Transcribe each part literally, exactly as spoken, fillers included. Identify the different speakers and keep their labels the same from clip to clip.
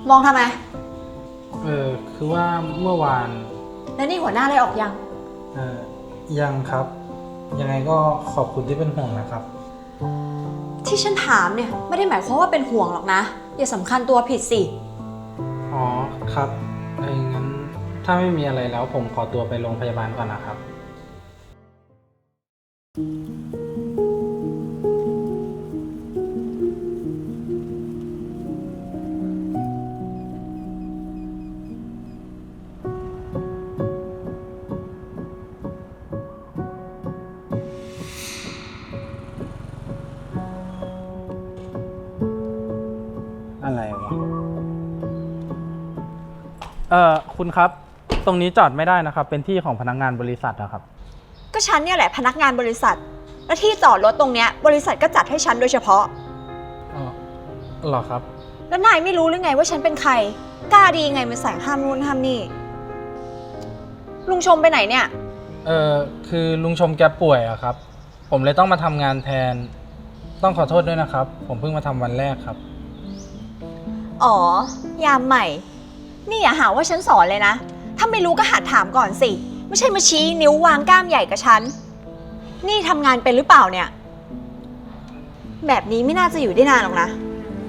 Speaker 1: มองทำไม
Speaker 2: เออคือว่าเมื่อวาน
Speaker 1: แล้วนี่หัวหน้าเลยออกยัง
Speaker 2: เออยังครับ ยังไงก็ขอบคุณที่เป็นห่วงนะครับ
Speaker 1: ที่ฉันถามเนี่ยไม่ได้หมายความว่าเป็นห่วงหรอกนะอย่าสำคัญตัวผิดสิ
Speaker 2: อ๋อครับเอองั้นถ้าไม่มีอะไรแล้วผมขอตัวไปโรงพยาบาลก่อนนะครับอะไรวะเอ่อคุณครับตรงนี้จอดไม่ได้นะครับเป็นที่ของพนักงานบริษัทนะครับ
Speaker 1: ก็ฉันเนี่ยแหละพนักงานบริษัทและที่จอดรถตรงเนี้ยบริษัทก็จัดให้ฉันโดยเฉพาะ
Speaker 2: อ๋อเหรอครับ
Speaker 1: แล้วนายไม่รู้หรือไงว่าฉันเป็นใครกล้าดีไงมาสั่งห้ามนู่นห้ามนี่ลุงชมไปไหนเนี่ย
Speaker 2: เออคือลุงชมแกป่วยอะครับผมเลยต้องมาทำงานแทนต้องขอโทษด้วยนะครับผมเพิ่งมาทำวันแรกครับ
Speaker 1: อ๋อยามใหม่นี่อย่าหาว่าฉันสอนเลยนะถ้าไม่รู้ก็หัดถามก่อนสิไม่ใช่มาชี้นิ้ววางกล้ามใหญ่กับฉันนี่ทำงานเป็นหรือเปล่าเนี่ยแบบนี้ไม่น่าจะอยู่ได้นานหรอกนะ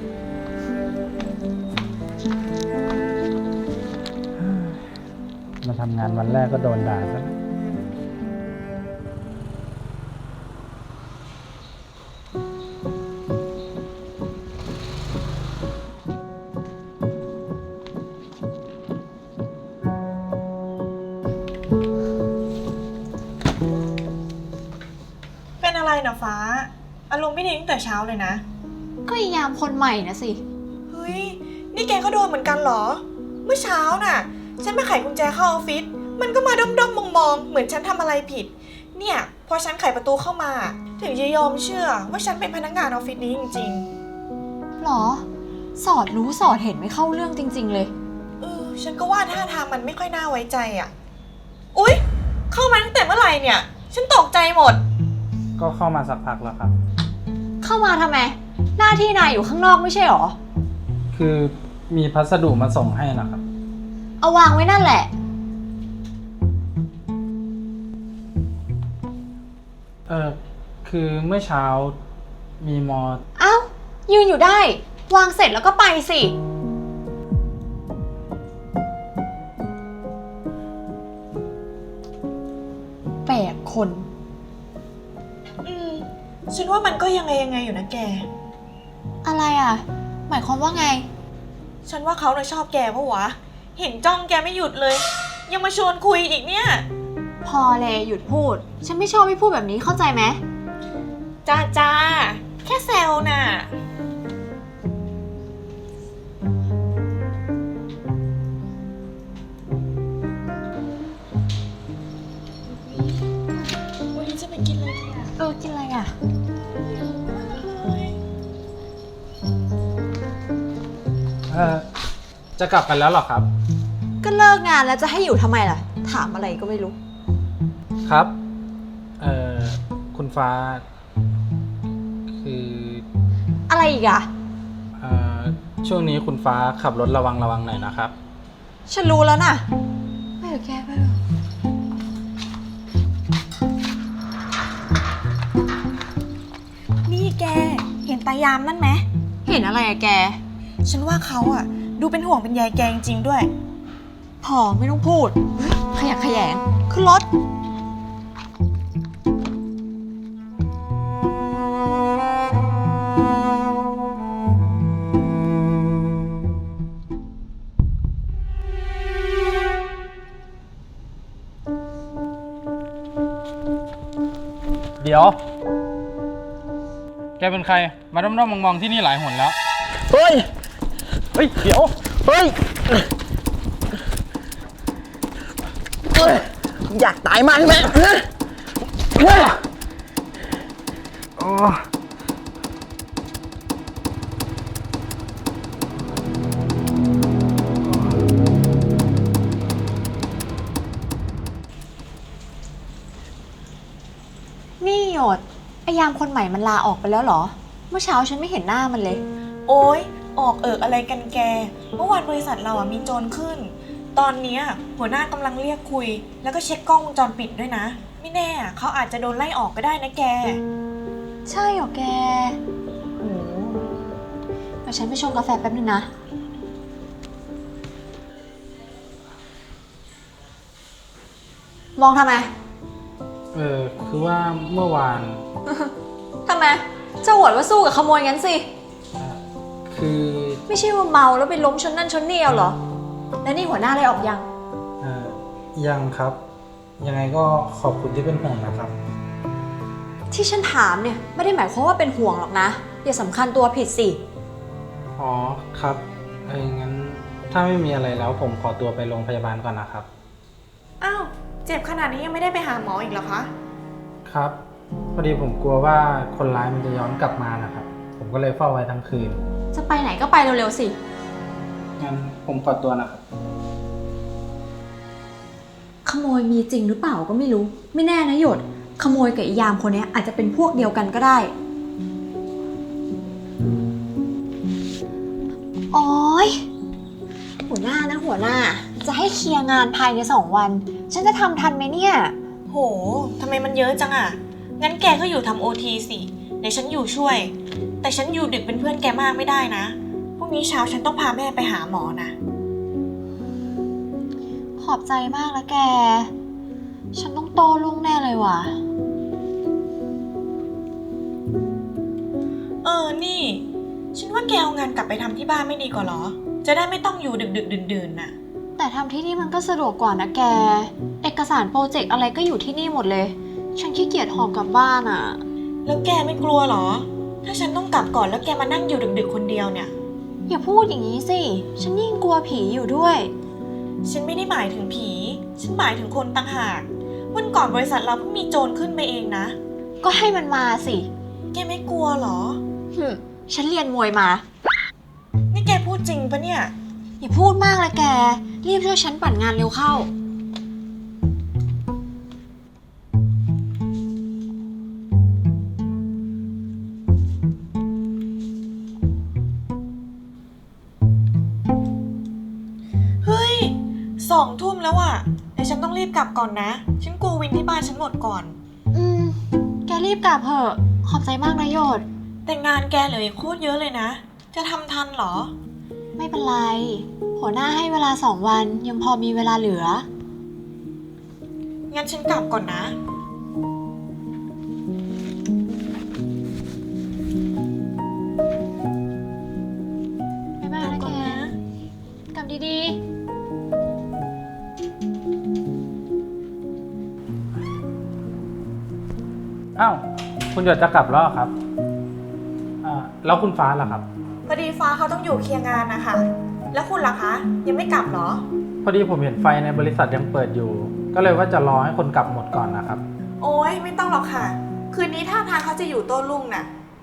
Speaker 2: มาทำงานวันแรกก็โดนด่าซะ
Speaker 3: เป็นอะไรนะฟ้าอารมณ์ไม่ดีตั้งแต่เช้าเลยนะ
Speaker 1: ก็ยามคนใหม่นะสิ
Speaker 3: เฮ้ยนี่แกก็โดนเหมือนกันเหรอเมื่อเช้าน่ะฉันไปไขกุญแจเข้าออฟฟิศมันก็มาด้อมๆมองๆเหมือนฉันทำอะไรผิดเนี่ยพอฉันไขประตูเข้ามาถึงจะยอมเชื่อว่าฉันเป็นพนักงานออฟฟิศนี้จริง
Speaker 1: ๆหรอสอดรู้สอดเห็นไม่เข้าเรื่องจริงๆเลย
Speaker 3: เออฉันก็ว่าท่าทางมันไม่ค่อยน่าไว้ใจอ่ะอุ๊ยเข้ามาตั้งแต่เมื่อไหร่เนี่ยฉันตกใจหมด
Speaker 2: ก็เข้ามาสักพักแล้วครับ
Speaker 1: เข้ามาทำไมหน้าที่นายอยู่ข้างนอกไม่ใช่หรอ
Speaker 2: คือมีพัสดุมาส่งให้นะครับ
Speaker 1: เอาวางไว้นั่นแหละ
Speaker 2: เออคือเมื่อเช้ามีมอ
Speaker 1: เอ้ายืนอยู่ได้วางเสร็จแล้วก็ไปสิแปลกคน
Speaker 3: อืมฉันว่ามันก็ยังไงยังไงอยู่นะแก
Speaker 1: อะไรอ่ะหมายความว่าไง
Speaker 3: ฉันว่าเขาน่ะชอบแกปะวะเห็นจ้องแกไม่หยุดเลยยังมาชวนคุยอีกเนี่ย
Speaker 1: พอเลยหยุดพูดฉันไม่ชอบให้พูดแบบนี้เข้าใจไหม
Speaker 3: จ้าจ้าแค่แซวน่ะวันนี้จะไปกินอะไรดีอ่ะ
Speaker 1: เออกินอะไรอ่ะ
Speaker 2: เออจะกลับกันแล้วหรอครับ
Speaker 1: ก็เลิกงานแล้วจะให้อยู่ทำไมล่ะถามอะไรก็ไม่รู้
Speaker 2: ครับเอ่อคุณฟ้าคือ
Speaker 1: อะไรอีกอะ
Speaker 2: เอ่อช่วงนี้คุณฟ้าขับรถระวังระวังหน่อยนะครับ
Speaker 1: ฉันรู้แล้วน่ะไปเถอะแกไปเถอะ
Speaker 3: นี่แกเห็นตายามนั่นไหม
Speaker 1: เห็นอะไรอะแก
Speaker 3: ฉันว่าเขาอะดูเป็นห่วงเป็นใยแกจริงๆด้วย
Speaker 1: พอไม่ต้องพูดขยักขยงขึ้นรถ
Speaker 2: เดี๋ยวแกเป็นใครมาด้อมๆมองๆที่นี่หลายหนแล้ว
Speaker 4: เฮ้ย
Speaker 2: เฮ้ยเดี๋ยว
Speaker 4: เฮ้ยอยากตายมากใช่ไหมฮะ
Speaker 1: นี่หยดไอยามคนใหม่มันลาออกไปแล้วเหรอเมื่อเช้าฉันไม่เห็นหน้ามันเลย
Speaker 3: โอ๊ยออกเอิกอะไรกันแก เมื่อวานบริษัทเราอ่ะมีโจรขึ้น ตอนเนี้ยหัวหน้ากำลังเรียกคุย แล้วก็เช็คกล้องวงจรปิดด้วยนะ ไม่แน่เขาอาจจะโดนไล่ออกก็ได้นะแก
Speaker 1: ใช่เหรอแกโอ้เดี๋ยวฉันไปชงกาแฟแป๊บนึงนะ มองทำไม
Speaker 2: เออคือว่าเมื่อวาน
Speaker 1: ทำไมจะหวดว่าสู้กับขโมยงั้นสิ
Speaker 2: เอ่อคือ
Speaker 1: ไม่ใช่ว่าเมาแล้วไปล้มชนนั่นชนนี่เอาเหรอ แล้วนี่หัวหน้าไล่ออกยัง
Speaker 2: เอ่อยังครับ ยังไงก็ขอบคุณที่เป็นห่วงนะครับ
Speaker 1: ที่ฉันถามเนี่ยไม่ได้หมายความว่าเป็นห่วงหรอกนะ อย่าสำคัญตัวผิดสิ
Speaker 2: อ๋อครับเอองั้นถ้าไม่มีอะไรแล้วผมขอตัวไปโรงพยาบาลก่อนนะครับ
Speaker 3: อ้าว เจ็บขนาดนี้ยังไม่ได้ไปหาหมออีกเหรอคะ
Speaker 2: ครับพอดีผมกลัวว่าคนร้ายมันจะย้อนกลับมานะครับ ผมก็เลยเฝ้าไว้ทั้งคืน
Speaker 1: จะไปไหนก็ไปเร็วๆสิ
Speaker 2: งั้นผมขอตัวนะครับ
Speaker 1: ขโมยมีจริงหรือเปล่าก็ไม่รู้ ไม่แน่นะหยด ขโมยกับอียามคนนี้อาจจะเป็นพวกเดียวกันก็ได้ โอ๊ย หัวหน้านะหัวหน้า จะให้เคลียร์งานภายในสองวัน ฉันจะทำทันไหมเนี่ย
Speaker 3: โห ทำไมมันเยอะจังอะงั้นแกก็อยู่ทำโอทีสิ เดี๋ยวฉันอยู่ช่วย แต่ฉันอยู่ดึกเป็นเพื่อนแกมากไม่ได้นะ พรุ่งนี้เช้าฉันต้องพาแม่ไปหาหมอนะ
Speaker 1: ขอบใจมากแล้วแก ฉันต้องโตลุ่งแน่เลยว่ะ
Speaker 3: เออ นี่ ฉันว่าแกเอางานกลับไปทำที่บ้านไม่ดีกว่าเหรอ จะได้ไม่ต้องอยู่ดึกดึกดื่นดื่นๆน่ะ
Speaker 1: แต่ทำที่นี่มันก็สะดวกกว่านะแก เอกสารโปรเจกต์อะไรก็อยู่ที่นี่หมดเลย ฉันขี้เกียจหอบกลับบ้านอ่ะ
Speaker 3: แล้วแกไม่กลัวเหรอ ถ้าฉันต้องกลับก่อนแล้วแกมานั่งอยู่ดึกดึกๆคนเดียวเนี่ย
Speaker 1: อย่าพูดอย่างนี้สิ ฉันยิ่งกลัวผีอยู่ด้วย
Speaker 3: ฉันไม่ได้หมายถึงผี ฉันหมายถึงคนต่างหาก วันก่อนบริษัทเราเพิ่งมีโจรขึ้นไปเองนะ
Speaker 1: ก็ให้มันมาสิ
Speaker 3: แกไม่กลัวเหรอ
Speaker 1: หึฉันเรียนมวยมา
Speaker 3: นี่แกพูดจริงปะเนี่ย
Speaker 1: อย่าพูดมากเลยแก รีบช่วยฉันปั่นงานเร็วเข้า
Speaker 3: เฮ้ยสองทุ่มแล้วอะเดี๋ยวฉันต้องรีบกลับก่อนนะ ฉันกลัววินที่บ้านฉันหมดก่อน
Speaker 1: อืม แกรีบกลับเถอะ ขอบใจมากนะโยด
Speaker 3: แต่งานแกเหลืออีกโคตรเยอะเลยนะ จะทำทันเหรอ
Speaker 1: ไม่เป็นไร หัวหน้าให้เวลาสองวันยังพอมีเวลาเหลือ
Speaker 3: งั้นฉันกลับก่อนนะ
Speaker 1: บ๊ายบายนะแก กลับดีๆ
Speaker 2: อ้าวคุณหยดจะกลับแล้วเหรอครับอ่าแล้วคุณฟ้าล่ะครับ
Speaker 3: พอดีฟ้าเขาต้องอยู่เคลียร์งานนะคะ แล้วคุณล่ะคะ ยังไม่กลับเหรอ
Speaker 2: พอดีผมเห็นไฟในบริษัทยังเปิดอยู่ ก็เลยว่าจะรอให้คนกลับหมดก่อนนะครับ
Speaker 3: โอ้ยไม่ต้องหรอกค่ะ คืนนี้ท่าทางเขาจะอยู่โต้รุ่งน่ะ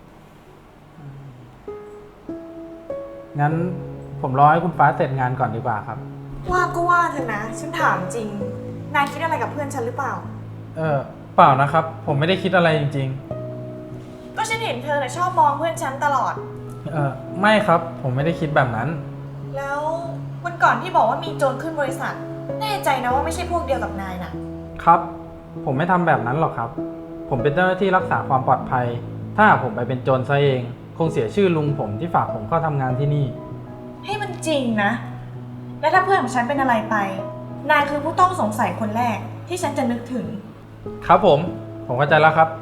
Speaker 2: งั้นผมรอให้คุณฟ้าเสร็จงานก่อนดีกว่าครับ
Speaker 3: ว่าก็ว่าเถอะนะ ฉันถามจริง นายคิดอะไรกับเพื่อนฉันหรือเปล่า
Speaker 2: เออเปล่านะครับ ผมไม่ได้คิดอะไรจริง
Speaker 3: ก็ฉันเห็นเธอน่ะชอบมองเพื่อนฉันตลอด
Speaker 2: ๆ เออไม่ครับ ผมไม่ได้คิดแบบนั้น
Speaker 3: แล้ววันก่อนที่บอกว่ามีโจรขึ้นบริษัท แน่ใจนะว่าไม่ใช่พวกเดียวกับนายน่ะ
Speaker 2: ครับ ผมไม่ทำแบบนั้นหรอกครับ ผมเป็นเจ้าหน้าที่รักษาความปลอดภัย ถ้าหากผมไปเป็นโจรซะเอง คงเสียชื่อลุงผมที่ฝากผมเข้าทำงานที่นี่
Speaker 3: ให้มันจริงนะ และถ้าเพื่อนของฉันเป็นอะไรไป นายคือผู้ต้องสงสัยคนแรกที่ฉันจะนึกถึง
Speaker 2: ครับผม ผมเข้าใจแล้วครับ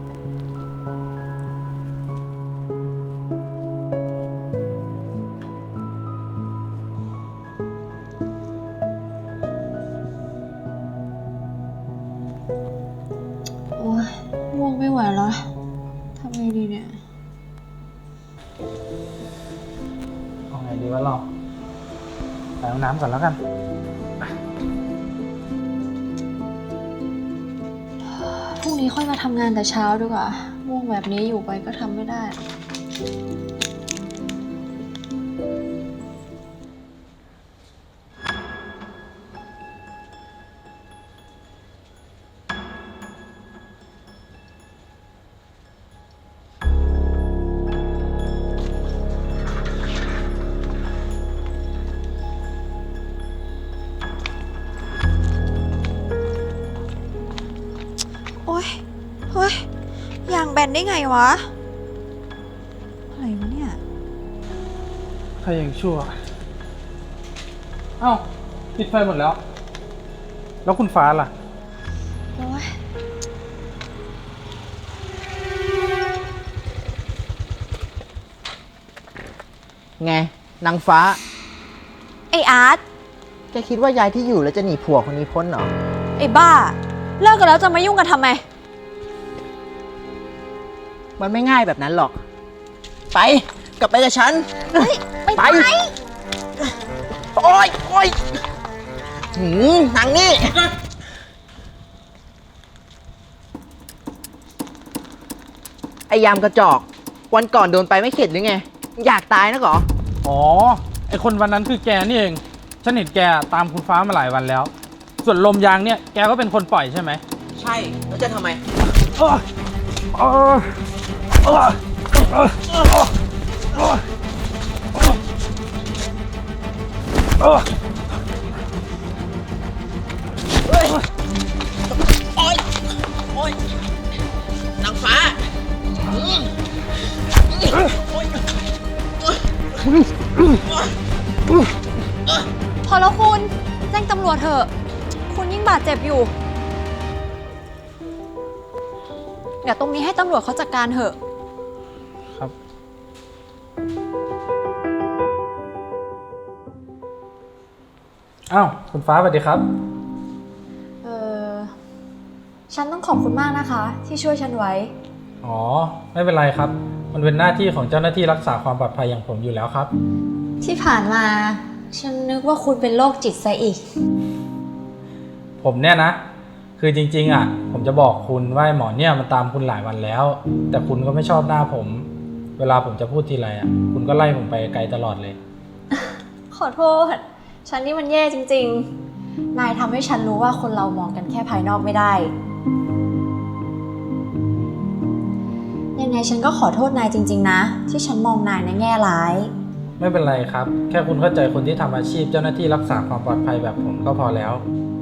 Speaker 1: โอ้ยง่วงไม่ไหวแล้วทำไงดีเนี่ย
Speaker 2: เอาไงดีวะเราไปห้องน้ำก่อนแล้วกัน
Speaker 1: พรุ่งนี้ค่อยมาทำงานแต่เช้าดีกว่าง่วงแบบนี้อยู่ไปก็ทำไม่ได้กันได้ไงวะ อะไรวะเนี่ย
Speaker 2: ใครยังชั่ว เอ้าปิดไฟหมดแล้ว แล้วคุณฟ้าล่ะ
Speaker 1: โอ๊ย
Speaker 4: ไงนางฟ้า
Speaker 1: ไออาร์ต
Speaker 4: แกคิดว่ายายที่อยู่แล้วจะหนีผัวคนนี้พ้นเหรอ
Speaker 1: ไอบ้า เลิกกันแล้วจะมายุ่งกันทำไม
Speaker 4: มันไม่ง่ายแบบนั้นหรอก ไปกลับไปกับฉัน
Speaker 1: เฮ้ย ไป
Speaker 4: ไป
Speaker 1: ไป
Speaker 4: โอ๊ยโอ๊ยหืมนางนี่ ไอยามกระจอก วันก่อนโดนไปไม่เข็ดหรือไง อยากตายนะเหรอ
Speaker 2: อ๋อ ไอคนวันนั้นคือแกนี่เอง ฉันเห็นแกตามคุณฟ้ามาหลายวันแล้ว ส่วนลมยางเนี่ย แกก็เป็นคนปล่อยใช่ไหม
Speaker 4: ใช่ แล้วจะทำไม
Speaker 2: เออเออเออเออเออเออเออ
Speaker 4: โอ๊ย โอ๊ย นางฟ้าอืมโอ๊ย
Speaker 1: พอแล้วคุณ แจ้งตำรวจเถอะ คุณยิ่งบาดเจ็บอยู่ เดี๋ยวตรงนี้ให้ตำรวจเขาจัดการเถอะ
Speaker 2: ครับ อ้าว คุณฟ้าสวัสดีครับ
Speaker 1: เออฉันต้องขอบคุณมากนะคะ ที่ช่วยฉันไว้
Speaker 2: อ๋อ ไม่เป็นไรครับ มันเป็นหน้าที่ของเจ้าหน้าที่รักษาความปลอดภัยอย่างผมอยู่แล้วครับ
Speaker 1: ที่ผ่านมา ฉันนึกว่าคุณเป็นโรคจิตซะอีก
Speaker 2: ผมเนี่ยนะ คือจริงๆอ่ะ ผมจะบอกคุณว่าไอ้หมอเนี่ยมันตามคุณหลายวันแล้ว แต่คุณก็ไม่ชอบหน้าผม เวลาผมจะพูดทีไรอ่ะ คุณก็ไล่ผมไปไกลตลอดเลย
Speaker 1: ขอโทษ ฉันนี่มันแย่จริงๆ นายทำให้ฉันรู้ว่าคนเรามองกันแค่ภายนอกไม่ได้ ยังไงฉันก็ขอโทษนายจริงๆนะ ที่ฉันมองนายในแง่ร้าย
Speaker 2: ไม่เป็นไรครับ แค่คุณเข้าใจคนที่ทำอาชีพเจ้าหน้าที่รักษาความปลอดภัยแบบผมก็พอแล้ว